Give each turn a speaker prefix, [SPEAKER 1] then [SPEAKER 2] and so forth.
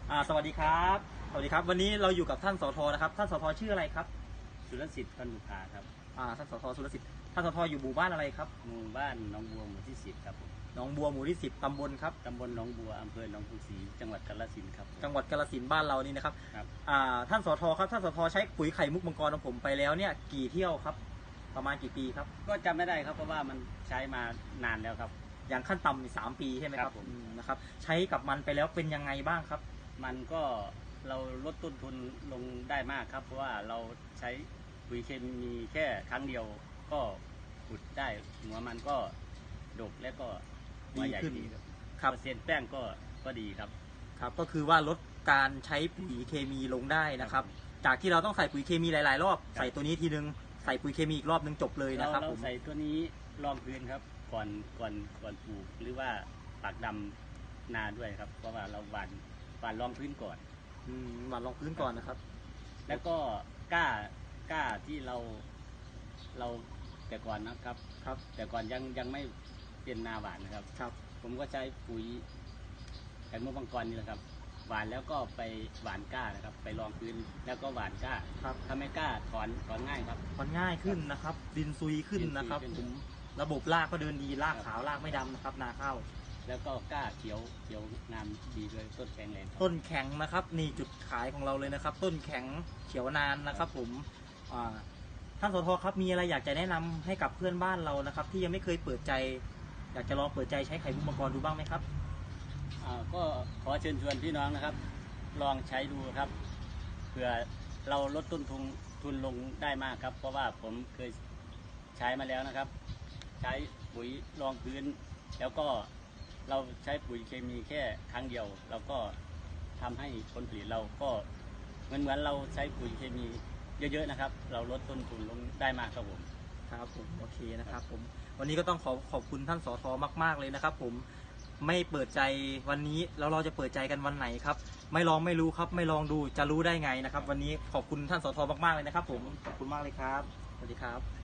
[SPEAKER 1] สวัสดีครับสวัสดีครับวันนี้เราอยู่กับท่านสทนะครับท่านสทชื่ออะไรครับ
[SPEAKER 2] สุรสิทธิ์พันบุภาครับ
[SPEAKER 1] ท่านสทสุรสิทธิ์ท่านสทอยู่หมู่บ้านอะไรครับ
[SPEAKER 2] หมู่บ้านหนองบัวหมู่ที่10ครับผม
[SPEAKER 1] หนองบัวหมู่ที่10ตำบลครับ
[SPEAKER 2] ตำบลหนองบัวอำเภอหนองกรุงศรีจังหวัดกาฬสินธุ์ครับ
[SPEAKER 1] จังหวัดกาฬสินธุ์บ้านเรานี่นะครับ
[SPEAKER 2] ครับ
[SPEAKER 1] ท่านสทครับท่านสทใช้ปุ๋ยไข่มุกมังกรของผมไปแล้วเนี่ยกี่เที่ยวครับประมาณกี่ปีครับ
[SPEAKER 2] ก็จำไม่ได้ครับเพราะว่ามันใช้มานานแล้วครับ
[SPEAKER 1] อย่างขั้นต่ำ3 ปีใช่ไหมครับนะครับใช้กับมันไปแล้วเป็นยังไงบ้างครับ
[SPEAKER 2] มันก็เราลดต้นทุนลงได้มากครับเพราะว่าเราใช้ปุ๋ยเคมีแค่ครั้งเดียวก็ขุดได้หัวมันก็ดกและก็หัวใหญ่ดีครับเปอร์เซ็นต์แป้งก็ดีครับ
[SPEAKER 1] ครับก็คือว่าลดการใช้ปุ๋ยเคมีลงได้นะครับจากที่เราต้องใส่ปุ๋ยเคมีหลายๆรอบใส่ตัวนี้ทีนึงใส่ปุ๋ยเคมีอีกรอบนึงจบเลยนะครับ
[SPEAKER 2] เราใส่ตัวนี้รองพื้นครับก่อนปลูกหรือว่าปักดำนาด้วยครับเพราะว่าเราหว่านรองพื้นก่อน
[SPEAKER 1] หว่านรองพื้นก่อนนะครับ
[SPEAKER 2] แล้วก็กล้าที่เราแต่ก่อนนะครับแต่ก่อนยังไม่เป็นนาหวานนะครับผมก็ใช้ปุ๋ยไข่มุกมังกรนี่แหละครับหวานแล้วก็ไปหวานก้านะครับไปรองพื้นแล้วก็หวานก้าถ้าไม่กล้าถอนง่ายครับ
[SPEAKER 1] ถอนง่ายขึ้นนะครับดินซุยขึ้นนะครับผมระบบรากก็เดินดีรากขาวรากไม่ดำนะครับนาข้าว
[SPEAKER 2] แล้วก็ก้าเขียวงามดีด้วยต้นแข็งแรง
[SPEAKER 1] ต้นแข็งนะครับนี่จุดขายของเราเลยนะครับต้นแข็งเขียวนานนะครับผมท่านสทครับมีอะไรอยากจะแนะนำให้กับเพื่อนบ้านเรานะครับที่ยังไม่เคยเปิดใจอยากจะลองเปิดใจใช้ไข่มุกมังกรดูบ้างไหมครับ
[SPEAKER 2] ก็ขอเชิญชวนพี่น้องนะครับลองใช้ดูครับเผื่อเราลดต้นทุนลงได้มากครับเพราะว่าผมเคยใช้มาแล้วนะครับใช้ปุ๋ยรองพื้นแล้วก็เราใช้ปุ๋ยเคมีแค่ครั้งเดียวเราก็ทำให้ผลผลิตเราก็เหมือนเราใช้ปุ๋ยเคมีเยอะๆนะครับเราลดต้นทุนลงได้มากครับผม
[SPEAKER 1] โอเคนะครับผมวันนี้ก็ต้องขอบคุณท่านสทมากๆเลยนะครับผมไม่เปิดใจวันนี้แล้วเราจะเปิดใจกันวันไหนครับไม่ลองไม่รู้ครับไม่ลองดูจะรู้ได้ไงนะครับวันนี้ขอบคุณท่านสทมากๆเลยนะครับผมขอบคุณมากเลยครับสวัสดีครับ